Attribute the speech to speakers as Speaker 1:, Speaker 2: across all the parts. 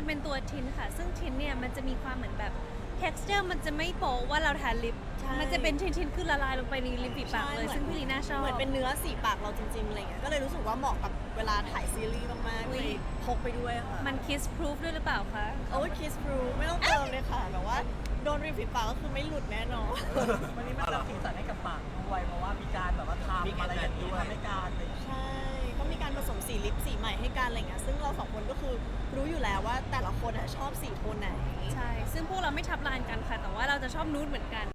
Speaker 1: จะเป็นตัวทินค่ะซึ่งทินเนี่ยมันจะมีความเหมือนแบบ texture มันจะไม่โป๊ว่าเราทาลิปมันจะเป็นทินคือละลายลงไปในริมฝีปากเลยซึ่งพี่ลีน่าชอบ
Speaker 2: เหมือนเป็นเนื้อสีปากเราจริงๆอะไรเงี้ยก็เลยรู้สึกว่าเหมาะกับเวลาถ่ายซีรีส์มากๆเลยพกไปด้วยค่ะ
Speaker 1: มัน kiss proof ด้วยหรือเปล่าคะ
Speaker 2: โอ้ย kiss proof ไม่ต้องเติมเลยค่ะแบบว่าโดนริมฝีปากก็คือไม่หลุดแน่นอน
Speaker 3: วันนี้มันสร้างสีสันให้กับปากด้วยเพราะว่ามีการแบบว่าทำอะไรอย่างนี้ทำให้การเลย
Speaker 2: ใช่ก็มีการผสมสีลิปสีใหม่ให้กันอะไรเงี้ยซึ่งเราสองคนก็คือรู้อยู่แล้วว่าแต่ละคนชอบสีโทนไหน
Speaker 1: ใช่ซึ่งพวกเราไม่ทับลานกันค่ะแต่ว่าเราจะชอบนูดเหมือนกัน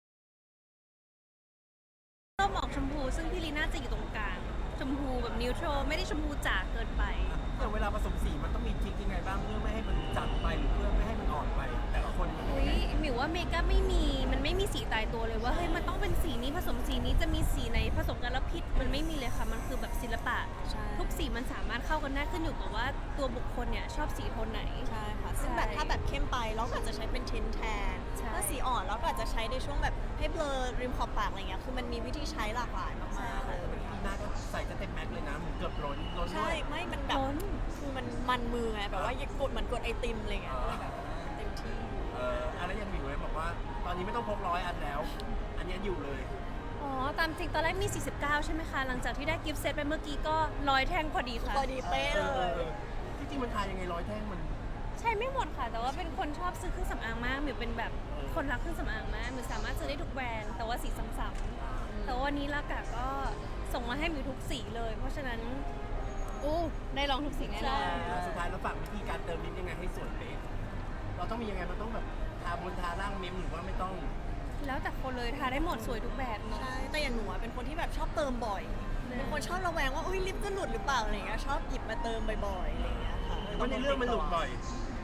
Speaker 1: ชอบออกชมพูซึ่งพี่ลีน่าจะอยู่ตรงกลางชมพูแบบนิวโตรไม่ได้ชมพูจ๋าเกินไป
Speaker 4: อย่างเวลาผสมสีมันต้องมีทริคยังไงบ้างเพื่อไม่ให้มันจัดไปหรือเพื่อไม่ให้มันอ่อนไปแต่ละคนมัน
Speaker 1: หมิวว่าเมคอัพมันไม่มีสีตายตัวเลยว่าเฮ้ยมันต้องเป็นสีนี้ผสมสีนี้จะมีสีไหนผสมกันแล้วผิดมันไม่มีเลยค่ะมันคือแบบศิลปะทุกสีมันสามารถเข้ากันได้ขึ้นอยู่กับว่าตัวบุคคลเนี่ยชอบสีโทนไหน
Speaker 2: ใช่ค่ะซึ่งแบบถ้าแบบเข้มไปเราก็อาจจะใช้เป็นเทนแทนถ้าสีอ่อนเราก็อาจจะใช้ในช่วงแบบให้เบลอริมขอบปากอะไรเงี้ยคือมันมีวิธีใช้หลากหลายมากๆเลย
Speaker 4: หน้าก็ใส่จะเต็มแม็กเลยนะเหมือนเกือบล้นด้วย
Speaker 2: ใช่ไม่มันแบบคือมันมือไงแบบว่ากดเหมือนกดไอติมอะไรเงี้ยแบบเต็มที่
Speaker 4: อะไรยังมีไว้บอกว่าตอนนี้ไม่ต้องพก100 อันแล้วอันนี้อยู่เลย
Speaker 1: อ๋อตามจริงตอนแรกมี49ใช่ไหมคะหลังจากที่ได้กิฟต์เซตไปเมื่อกี้ก็100แท่งพอดีค่ะ
Speaker 2: พอดีเป๊ะเลย
Speaker 4: จริงๆมันทายยังไง100 แท่งมัน
Speaker 1: ใช่ไม่หมดค่ะแต่ว่าเป็นคนชอบซื้อเครื่องสำอางมากหมิวเป็นแบบคนรักเครื่องสำอางมากหมิวสามารถซื้อได้ทุกแบรนด์แต่ว่าสีซ้ำๆแต่วันนี้ลากาก็ส่งมาให้หมิวทุกสีเลยเพราะฉะนั้นได้ลองทุกสีแน่นอน
Speaker 4: สุดท้ายเราฝากวิธีการเติมลิปยังไงให้สวยเป๊ะเราต้องมียังไงมันต้องแบบทาบนทาล่างเมมหรือว่าไม่ต้อง
Speaker 1: แล้วแต่คนเลยทาได้หมดสวยทุกแบบเนาะ
Speaker 2: ใช่แต่อย่างหนูเป็นคนที่แบบชอบเติมบ่อยเป็นคนชอบระแวงว่าอุ้ยลิปจะหลุดหรือเปล่าอะไรเงี้ยชอบหยิบมาเติมบ่อยๆอะไรเงี้ยค่ะ
Speaker 4: ว่าในเรื่องมันหลุดบ่อย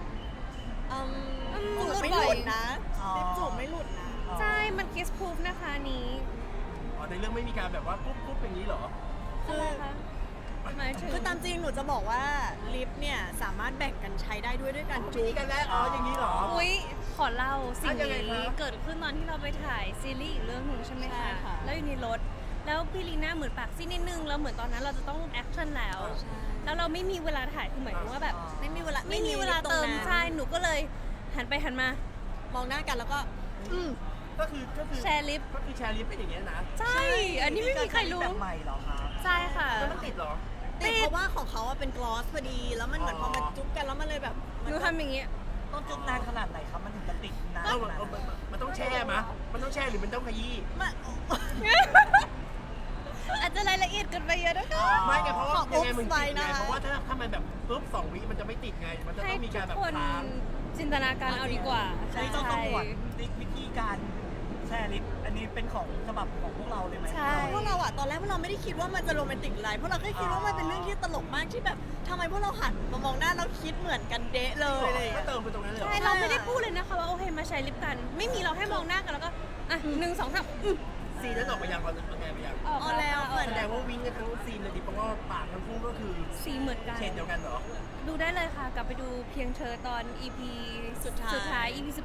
Speaker 2: จูบไม่หลุดนะลิปจูบไม่หลุดนะ
Speaker 1: ใช่มัน kiss proof นะคะนี้
Speaker 4: ในเรื่องไม่มีการแบบว่าปุ๊บอย่างนี้เหรอ
Speaker 2: คือตามจริงหนูจะบอกว่าลิปเนี่ยสามารถแบ่งกันใช้ได้ด้วยการจูบ
Speaker 4: กันได้อย่างนี้เหรอ
Speaker 1: อุ้ยขอเล่าสิ่งนี้เกิดขึ้นตอนที่เราไปถ่ายซีรีส์อีกเรื่องหนึ่งใช่ไหมคะแล้วอยู่ในรถแล้วพี่ลีน่าเหมือนปากซีดนิดนึงแล้วเหมือนตอนนั้นเราจะต้องแอคชั่นแล้วเราไม่มีเวลาถ่ายคือหมายถึงว่าแบบไม่มีเวลาเติมใช่หนูก็เลยหันไปหันมาม
Speaker 2: องหน้ากันแล้วก็
Speaker 4: ก็คือ
Speaker 1: แชร์ลิป
Speaker 4: ก็คือแชร์ลิปเป็นอย่างเงี้ยนะ
Speaker 1: ใช่อันนี้ไม่มีใครรู้
Speaker 3: แบบใหม่เหรอคะ
Speaker 1: ใช่ค่ะ
Speaker 4: แล้วมันติดเหรอ
Speaker 2: ติดเพราะว่าของเขาเป็นกลอสพอดีแล้วมันเหมือนพอมันจุ๊บกันแล้วมันเลยแบบ
Speaker 1: หนูทำอย่างเงี้ย
Speaker 3: ต้องจุ๊บนานขนาดไหนครับมันถึงจะติดนาน
Speaker 4: มันต้องแช่มะมันต้องแช่หรือมันต้องขยี้
Speaker 1: อาจจะรายละเอียดเกินไปเยอะนะคะ
Speaker 4: ไม่ไงเพราะว่ายังไงมันติดไงเพราะว่าถ้ามันแบบปุ๊บ2 วิมันจะไม่ติดไงมันจะต้องมีการแบบค้าง
Speaker 1: จินตนาการเอาดีกว่า
Speaker 3: ใช่ต้องหวดวิธีการแชร์ลิปอันนี้เป็นของฉบับของพวกเราเลยไหม
Speaker 2: ใช่พวกเราตอนแรกพวกเราไม่ได้คิดว่ามันจะโรแมนติกอะไรเพราะเราแค่คิดว่ามันเป็นเรื่องที่ตลกมากที่แบบทำไมพวกเราหันมามองหน้าเราคิดเหมือนกันเดะเลยอะไร
Speaker 4: ก็เติมไปตรงนั้นเลย
Speaker 1: ใช่เราไม่ได้พูดเลยนะคะว่าโอเคมาใช้ลิปกันไม่มีเราให้มองหน้ากันแล้วก็1 2 3
Speaker 4: ซีนนั้นออกไปยังตอนนั้นไงไปยัง
Speaker 2: แล้ว
Speaker 4: แสดงว่าวิ่งกันทั้งซีนเลยดิเพราะว่าปากทั้งคู่ก็คือ
Speaker 1: สีเหมือนกัน
Speaker 4: เฉดเดียวกันเหรอ
Speaker 1: ดูได้เลยค่ะกลับไปดูเพียงเธอตอน EP สุดท้าย EP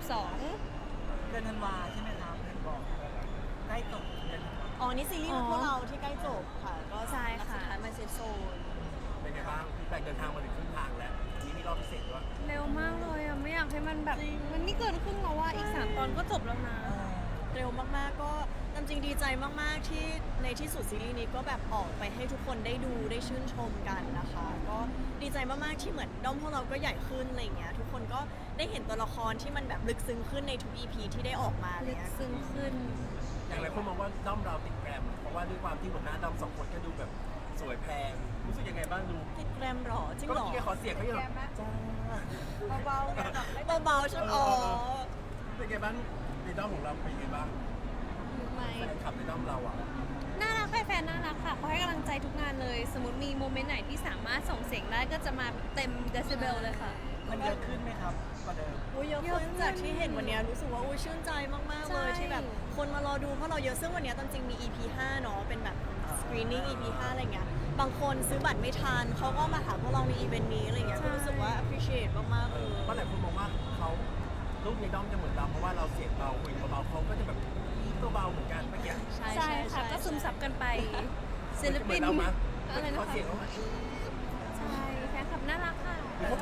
Speaker 1: 12
Speaker 3: เดือนธันวาใช่ไหมครับเห็นบอกใกล้จบเดือน
Speaker 2: นี่ซีรีส์พวกเราที่ใกล้จบค่ะก็
Speaker 1: ใช่ค่ะ
Speaker 2: สุดท้ายมาเซตโซน
Speaker 4: เป็นไงบ้างพี่แปกเดินทางมาถึงครึ่งทางแล้วนี้มีรอบพิเศษด้วย
Speaker 1: เร็วมากเลยไม่อยากให้มันแบบมันนี่เกินครึ่งแล้วว่าอีก3 ตอนก็จบแล้วนะ
Speaker 2: เร็วมากๆก็จริงดีใจมากๆที่ในที่สุดซีรีส์นี้ก็แบบออกไปให้ทุกคนได้ดูได้ชื่นชมกันนะคะก็ดีใจมากๆที่เหมือนด้อมพวกเราก็ใหญ่ขึ้นอะไรเงี้ยทุกคนก็ได้เห็นตัวละครที่มันแบบลึกซึ้งขึ้นในทุก EP ที่ได้ออกมา
Speaker 1: ลึกซึ้งขึ้น
Speaker 4: อย่างไรคนมองว่าด้อมเราติดแกรมเพราะว่าด้วยความที่หัวหน้าด้อม2 คนก็ดูแบบสวยแพงรู้สึกยังไงบ้างดู
Speaker 2: ติดแกรมหรอจริงหรอ
Speaker 4: ก็ขอเสียงเขาอย่างจ้
Speaker 2: าเบาๆฉัน
Speaker 4: เป็นไงบ้างในด้อมของเราเป็นไงบ้างแฟนคลับในด้อมเรา
Speaker 1: น่ารักแฟนน่ารักค่ะเขาให้กำลังใจทุกงานเลยสมมติมีโมเมนต์ไหนที่สามารถส่งเสียงได้ก็จะมาเต็มเดซิเบลเลยค่ะ
Speaker 3: มันเยอะขึ้นไหมครับกว่าเดิม
Speaker 2: เยอะขึ้นจากที่เห็นวันนี้รู้สึกว่าชื่นใจมากๆเลยที่แบบคนมารอดูเพราะเราเยอะซึ่งวันนี้ตามจริงมี EP 5เนาะเป็นแบบ screening EP 5อะไรเงี้ยบางคนซื้อบัตรไม่ทันเขาก็มาหาพวกเราในอีเวนต์นี้อะไรเงี้ยก็รู้สึกว่า appreciate มากๆเลย
Speaker 4: เพราะหลายคนมองว่าเขาลูกในด้อมจะเหมือนเราเพราะว่าเราเสียงเบาคุยเบาเขาก็จะแบบตัวเบาเหมือนกันเมื่อกี้
Speaker 1: ใช่ค่ะก็ซึมซับกันไปศิลปิน
Speaker 4: อะไรนะเขาเสียงเขา
Speaker 1: ใช่แฟนคลับน่ารักค่ะ
Speaker 4: เขากลัวเราตกใจ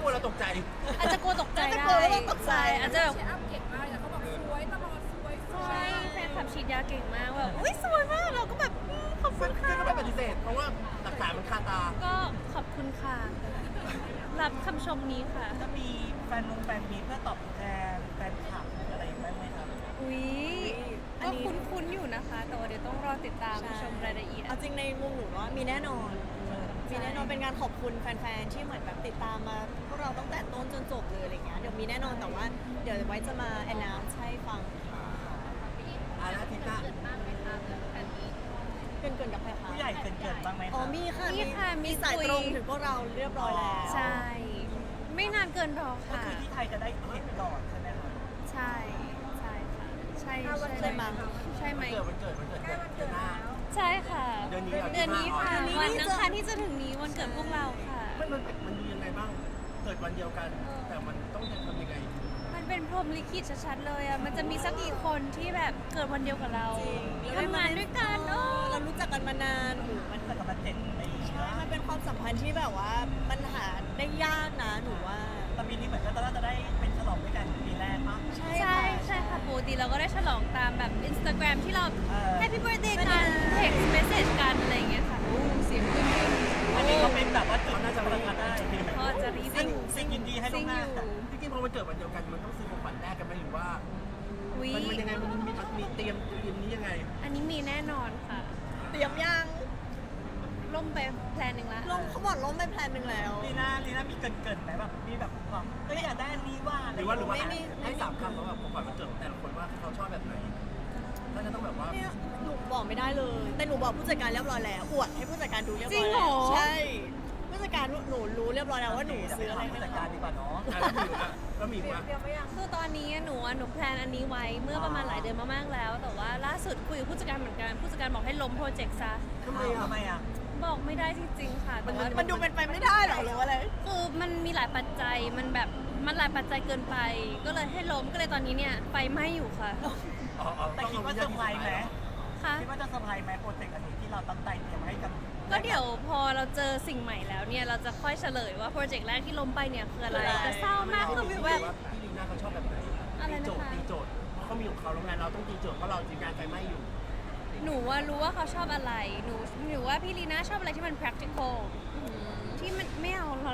Speaker 1: อาจจะกลัวตกใจ
Speaker 2: อาจจะ
Speaker 1: ได้
Speaker 2: กลัวแล้วตกใจ
Speaker 1: อาจจะแบบ
Speaker 5: เชียร์อัพเก่งมากแต่เขาบอกสวยตลอดสวย
Speaker 1: ใช่แฟนคลับฉีดยาเก่งมากแบบอุ้ยสวยมากเราก็แบบขอบคุณค่ะ
Speaker 4: ซึ่งก็ไม่ปฏิเสธ เพราะว่าหลักฐานมันคาตา
Speaker 1: ก็ขอบคุณค่ะ รับคำชมนี้ค่ะ
Speaker 3: จะมีแฟนมีเพื่อตอบแทนแฟนคลับหรืออะไรบ้างไหมครับ
Speaker 1: อุ้ย
Speaker 2: อัน
Speaker 1: ก็
Speaker 2: นี้
Speaker 1: คุ้นๆอยู่นะคะ แต่ว่าเดี๋ยวต้องรอติดตาม
Speaker 2: ใช่
Speaker 1: ชมรายละเอียด
Speaker 2: เอาจริงในมุมหนูว่ามีแน่นอน มีแน่นอนเป็นงานขอบคุณแฟนๆ ที่เหมือนแบบติดตามมาพวกเราตั้งแต่ต้นจนจบเลยอะไรเงี้ย เดี๋ยวมีแน่นอนแต่ว่าเดี๋ยวไว้จะมา announce ให้ฟังค่ะ
Speaker 4: แล้วอาทิตย์หน้า
Speaker 2: เกินกับใครคะ
Speaker 3: ผู้ใหญ่เกินบ้างไหมค
Speaker 2: อ๋อ
Speaker 3: รับ
Speaker 2: มีค่ะ
Speaker 1: มีค่ะมี
Speaker 2: สาย
Speaker 1: คุย
Speaker 2: ตรงถึงพวกเราเรียบร้อยแล้ว
Speaker 1: ใช่ ไม่นานเกินรอ
Speaker 3: ก็
Speaker 1: ค่ะ
Speaker 3: คือที่ไทยจะได้เห็นก่อนใช่ไหมครับ
Speaker 1: ใช่ ใช่ค่ะ ใช่
Speaker 2: ใช่ไหม
Speaker 1: ใช่ไหม
Speaker 4: วันเกิดเดือนหน้า
Speaker 1: ใช่ค่ะ
Speaker 4: เดือนนี้เหรอ
Speaker 1: เดือนนี้ค่ะ
Speaker 2: เดือนนี้
Speaker 1: วัน
Speaker 2: นี่
Speaker 1: อั
Speaker 2: จะ
Speaker 1: งคารที่จะถึงนี้วันเกิดพวกเราค่ะ
Speaker 4: มันดูยังไงบ้าง เกิดวันเดียวกัน แต่มันต้องทำยังไง
Speaker 1: มันเป็นพรหมลิขิตชัดๆเลยอ่ะ มันจะมีสักกี่คนที่แบบเกิดวันเดียวกับเรา
Speaker 2: จริง
Speaker 1: ทำงานด้วยกันเออ
Speaker 2: เรารู้จักกันมานานโอ้โหมัน
Speaker 3: เกิดกับมัน7 ปี
Speaker 2: ใช่
Speaker 3: นะ
Speaker 2: มันเป็นความสัมพันธ์ที่แบบว่ามันหาได้ยากนะหนูว่า
Speaker 3: แต่ปีนี้เหมือนก็จะได้เป็นฉลองด้วยกันปีแรกปะ
Speaker 2: ใช่
Speaker 1: ใช่
Speaker 2: ค่ะ
Speaker 1: ใช่ค่ะปกติเราก็ได้ฉลองตามแบบ Instagram ที่เรา
Speaker 3: เออ
Speaker 1: Happy Birthday กัน text message กันอะไรอย่างเงี้ยค่ะโอ้เสียงขึ้น
Speaker 3: อันนี้ก็เป็นแบบว่าจุดน่าจะประทับได้
Speaker 1: ก็จะรีวิว
Speaker 3: สิ่งยินดีให้ล่
Speaker 1: ซิ
Speaker 3: ว
Speaker 1: ง
Speaker 3: งห
Speaker 1: อ
Speaker 3: น้า
Speaker 1: ยู่
Speaker 4: จริงๆพอมันเกิดวันเดียวกัน มันต้องซื้อของขวัญแลกกันไหมหรือว่า
Speaker 1: วิ
Speaker 4: มันยังไง มันมีเตรียมนี้ยังไง
Speaker 1: อันนี้มีแน่นอนค่ะ
Speaker 2: เตรียมยัง
Speaker 1: ล่มไปแพลนหนึ่งละ
Speaker 2: ลมเขาบอกล้มไปแพลนหนึ่งแล้ว
Speaker 3: ลีน่ามีเกินไหมแบบมีแบบความเอ้ยอยากได้อันนี้ว่า
Speaker 4: หรือว่า
Speaker 2: ไม่มี
Speaker 4: ให้สามคำว่าแบบของขวัญวันเกิดของแต่ละคนว่าเขาชอบแบบไหนถ้าจะต้องแบบว่า
Speaker 2: เนี่ยหนูบอกไม่ได้เลย แต่หนูบอกผู้จัดการเรียบร้อยแล้ว อวดให้ผู้จัดการดูเรียบ
Speaker 1: จริ
Speaker 2: ร้
Speaker 1: ง
Speaker 2: อย
Speaker 1: เหร
Speaker 2: แล้ว
Speaker 1: อ
Speaker 2: ใช่ ผู้จัดการหนูรู้เรียบร้อยแล้วว่าหนูซื้ออะไร
Speaker 3: ผู้
Speaker 2: ให้
Speaker 3: จัด
Speaker 2: เขา
Speaker 3: การดีกว่าเนาะ
Speaker 4: แล้วมีว่า
Speaker 1: คือตอนนี้หนูแพลนอันนี้ไว้เมื่อประมาณหลายเดือนมากๆแล้ว แต่ว่าล่าสุดคุยกับผู้จัดการเหมือนกัน ผู้จัดการบอกให้ล้มโปรเจกต์ซะ
Speaker 3: ทำไมอ่ะ
Speaker 1: บอกไม่ได้จริงๆค่ะแต่ว่า
Speaker 2: มันดูเป็นไปไม่ได้หรอหรือว่าอะไร
Speaker 1: คือมันมีหลายปัจจัย มันหลายปัจจัยเกินไป ก็เลยให้ล้ม ก็เลยตอนนี้เนี่ยไฟไหม้อยู่ค่ะ
Speaker 3: แต่คิดว่าเซอร์ไพรส์ไหม
Speaker 1: ค่ะ
Speaker 3: คิดว่าจะเซอร์ไพรส์ไหมโปรเจกต์อันนี้ที่เราตั้งใจเตรียมให้กับ
Speaker 1: ก็เดี๋ยวพอเราเจอสิ่งใหม่แล้วเนี่ย เราจะค่อยเฉลยว่าโปรเจกต์แรกที่ล้มไปเนี่ยคืออะไรแต่เศร้ามากคือแบบ
Speaker 4: พี่ลีน่าเขาชอบแบบไหน
Speaker 1: อะไรนะคะ
Speaker 4: ตีโจทย์เพราะเขามีของเขาโรงงานเราต้องตีโจทย์เพราะเราจีงานไฟไหม้อยู่
Speaker 1: หนูว่ารู้ว่าเขาชอบอะไร หนูว่าพี่ลีน่าชอบอะไรที่มัน practical ที่มันไม่เอาเรา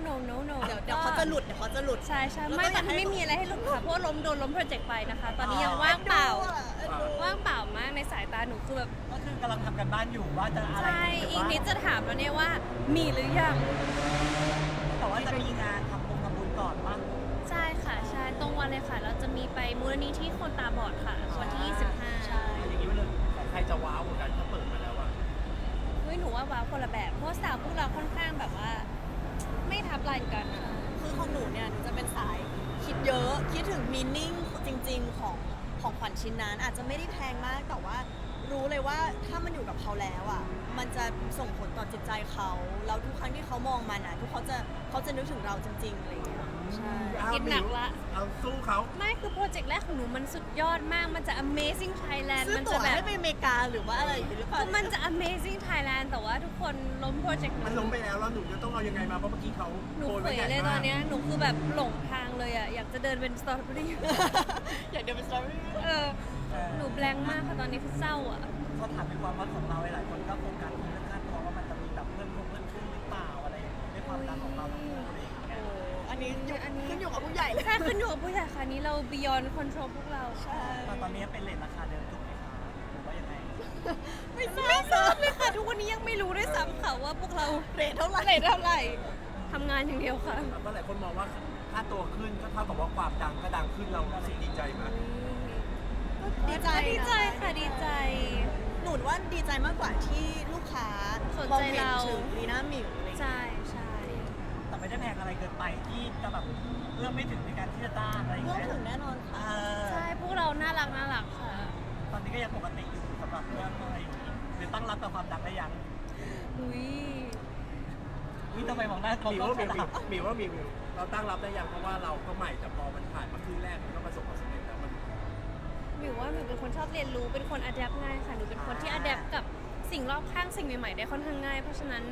Speaker 1: no
Speaker 2: เดี๋ยวเขาจะหลุดเดี๋ยวเขาจะหลุด
Speaker 1: ใช่ใช่
Speaker 2: แล้วก็
Speaker 1: ไม่
Speaker 2: อยากให้
Speaker 1: ไม่มีอะไรให้หลุดค่ะเพราะว่าโดนล้มโปรเจกต์ไปนะคะ ตอนนี้ยังว่างเปล่า ว่างเปล่ามากในสายตาหนูคือแบบ
Speaker 3: ก็คือกำลังทำกันบ้านอยู่ว่าจะอะไร
Speaker 1: ใช่อีกนิดจะถามแล้วเนี่ยว่ามีหรือยัง
Speaker 3: แต่ว่าจะมีงานทำบุญก่อนป่ะ
Speaker 1: ใช่ค่ะใช่ตรงวันเลยค่ะ เราจะมีไปมูลนิธิคนตาบอดค่ะวันที่ 25
Speaker 2: ใช่
Speaker 4: อย่างนี้มันเลยใครจะว้าวเหมือนกันถ้าเปิดมาแล้วอะ
Speaker 1: เฮ้ยหนูว่าว้าวคนละแบบเพราะสาวพวกเราค่อนข้างแบบว่า ไม่ทับลายกันอะ
Speaker 2: คือของหนูเนี่ยหนูจะเป็นสายคิดเยอะคิดถึงมีนิ่งจริงๆของขวัญชิ้นนั้น อาจจะไม่ได้แพงมากแต่ว่ารู้เลยว่าถ้ามันอยู่กับเขาแล้วอ่ะมันจะส่งผลต่อจิตใจเขาแล้วทุกครั้งที่เขามองมันอ่ะทุกเขาจะนึกถึงเราจริงๆอะไรอย่างเงี้ยใช่
Speaker 1: คิดหนักละ
Speaker 4: เอาสู้เขา
Speaker 1: ไม่คือโปรเจกต์แรกของหนูมันสุดยอดมาก มันจะ Amazing Thailand
Speaker 2: ซื้อ
Speaker 1: มัน
Speaker 2: ตั๋
Speaker 1: จะ
Speaker 2: ว
Speaker 1: แบบ
Speaker 2: ให้ไปอเมริกาหรือว่าอะไรอย่างเงี้ยหรือเปล่า
Speaker 1: คือมันจะ Amazing Thailand แต่ว่าทุกคนล้มโปรเจกต์
Speaker 4: มันล้มไปแล้วหนูจะต้องเอายังไงมาเพราะเมื่อกี้เขา
Speaker 1: หนู
Speaker 4: โกย
Speaker 1: เผ
Speaker 4: ไว้
Speaker 1: ย
Speaker 4: ใหญ่
Speaker 1: เลยตอ
Speaker 4: มาน ก
Speaker 1: เนี้ยหนูคือแบบหลงทางเลยอ่ะ อยากจะเดินเป็นสตรอเบอรี่
Speaker 2: อยากเดินไปสตอรี่
Speaker 1: หนูแบงค์มากค่ะตอนนี้คือเศร้าอ่ะ
Speaker 3: เขาถามในความว่าของเราหลายคนก็โฟกัสที่เรื่องค่าตัวว่ามันจะมีแบบเพิ่มขึ้นหรือเปล่าอะไรอย่างเงี้ยด้วยความดังของเราอะไรอย่างเงี้ย
Speaker 2: อันนี้
Speaker 1: อันนี้
Speaker 2: ขึ้นอยู่กับผู้ใหญ่เลย
Speaker 1: ใช่ขึ้นอยู่กับผู้ใหญ่ค่ะนี้เรา beyond control พวกเรา
Speaker 2: ใช่
Speaker 3: แต่ตอนนี้เป็นเรทราคาเดิมถูกไหมคะหรือว่ายังไง
Speaker 2: ไม่ทรา
Speaker 1: ไม่
Speaker 2: บ
Speaker 1: ทราบเลยค่ะ ทุกวันนี้ยังไม่รู้ด้วยซ้ำค่ะว่าพวกเรา
Speaker 2: เรทเท่าไหร่
Speaker 1: เรทเท่าไหร่ทำงานอย่างเดียวค่ะ
Speaker 4: ก็หลายคนมองว่าค่าตัวขึ้นก็เท่ากับว่าความดังก็ดังขึ้นเรารู้สึกดีใจไหม
Speaker 2: ดีใจ
Speaker 1: ดีใจค่ะดีใจ
Speaker 2: หนูว่าดีใจมากกว่าที่ลูกค้า
Speaker 1: สน
Speaker 2: มอง
Speaker 1: ใจ
Speaker 2: เห็น
Speaker 1: เรา
Speaker 2: ถึงลีน่าหมิวอะไรอย่างเงี้ย
Speaker 1: ใช่ใช่
Speaker 3: แต่ไม่ได้แพงอะไรเกินไปที่จะแบบเอื้อมไม่ถึงในการที่จะจ้างอะไรอย่าง
Speaker 2: เรื่อง
Speaker 3: เงี้ย
Speaker 2: ถึงแน่นอน
Speaker 3: เอ
Speaker 2: ค่ะ
Speaker 3: อ
Speaker 1: ใช่พวกเราน่ารักค่ะ
Speaker 3: ตอนนี้ก็ยังปกติอยู่สำหรับเรื่องอะไรอย่างงี้หรือตั้งรับกับความดังได้ยัง
Speaker 1: อุ้ย
Speaker 3: วิทำไมมองหน้าเขา
Speaker 4: มี
Speaker 3: ก็
Speaker 4: ว่า
Speaker 3: ข
Speaker 4: มี
Speaker 3: นาด
Speaker 4: มีว่ามีเราตั้งรับได้ยังเพราะว่าเราก็ใหม่แต่พอมันผ่านมาครึ่งแรกมันก็ประสบความสำเร็จแล้วมัน
Speaker 1: หมิวว่าหมิวเป็นคนชอบเรียนรู้เป็นคนอัดแอปง่ายค่ะหนูเป็นคนที่อัดแอปกับสิ่งรอบข้างสิ่งใหม่ๆได้ค่อนข้างง่าย เพราะฉะนั้น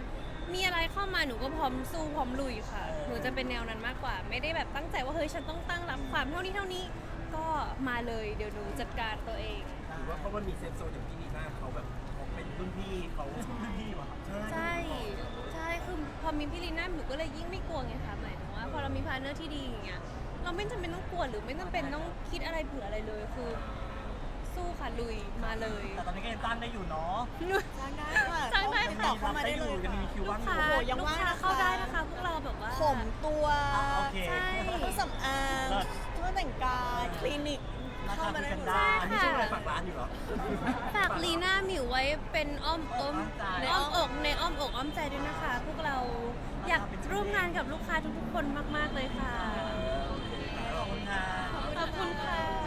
Speaker 1: มีอะไรเข้ามาหนูก็พร้อมสู้พร้อมลุยค่ะ หนูจะเป็นแนวนั้นมากกว่า ไม่ได้แบบตั้งใจว่าเฮ้ยฉันต้องตั้งรับความเท่านี้ก็มาเลยเดี๋ยวหนูจัดการตัวเอง
Speaker 4: หรือว่าเพราะมันมีเซฟโซนอย่างพี่ลีน่าเขาแบบเขาเป็นรุ่นพี่เขารุ่นพี่ว่ะ
Speaker 1: ใช่ใช่คือพอมีพี่ลีน่าหนูก็เลยยิ่งไม่กลัวไงคะหมายถึงว่าพอเรามีพาร์ทเนอร์ที่ดีอย่างเงี้ยเราไม่จำเป็นต้องกลัวหรือไม่จำเป็นต้องคิดอะไรเผื่ออะไรเลยคือ สู้ค่ะลุยมาเลย
Speaker 3: แต่ตอนนี้ก็ยังตั้งได้อยู่เนาะ
Speaker 2: จ้างได้ค่ะ
Speaker 1: จ้างได้
Speaker 2: ติดต่อเข้ามาได้เลย
Speaker 3: ยัง
Speaker 2: ค่ะ
Speaker 3: มีคิว
Speaker 1: ลู
Speaker 3: ว่าก งอ
Speaker 1: ค้า
Speaker 3: ยู่
Speaker 2: โอ้โหยัง
Speaker 1: ลูก
Speaker 2: ว่าง
Speaker 1: ค้า
Speaker 2: นะคะ
Speaker 1: เข้าได้นะคะพวกเราแบบว่า
Speaker 2: ผมตัว
Speaker 3: โอเค
Speaker 1: ใช่
Speaker 2: เครื่องสำอางเครื่องแต่งกายคลินิกเข้ามาได้หมด
Speaker 3: ได้
Speaker 4: อันนี้ช่วงอะไรฝากร้านอยู่เหรอ
Speaker 1: ฝากลีน่าหมิวไว้เป็นอ้อมอก
Speaker 2: ใน
Speaker 1: อ้อมอกในอ้อมอกอ้อมใจด้วยนะคะ พวกเราอยากร่วมงานกับลูกค้าทุกๆคนมากๆเลยค่ะ
Speaker 3: ขอบคุณค่ะ
Speaker 1: ขอบคุณค่ะ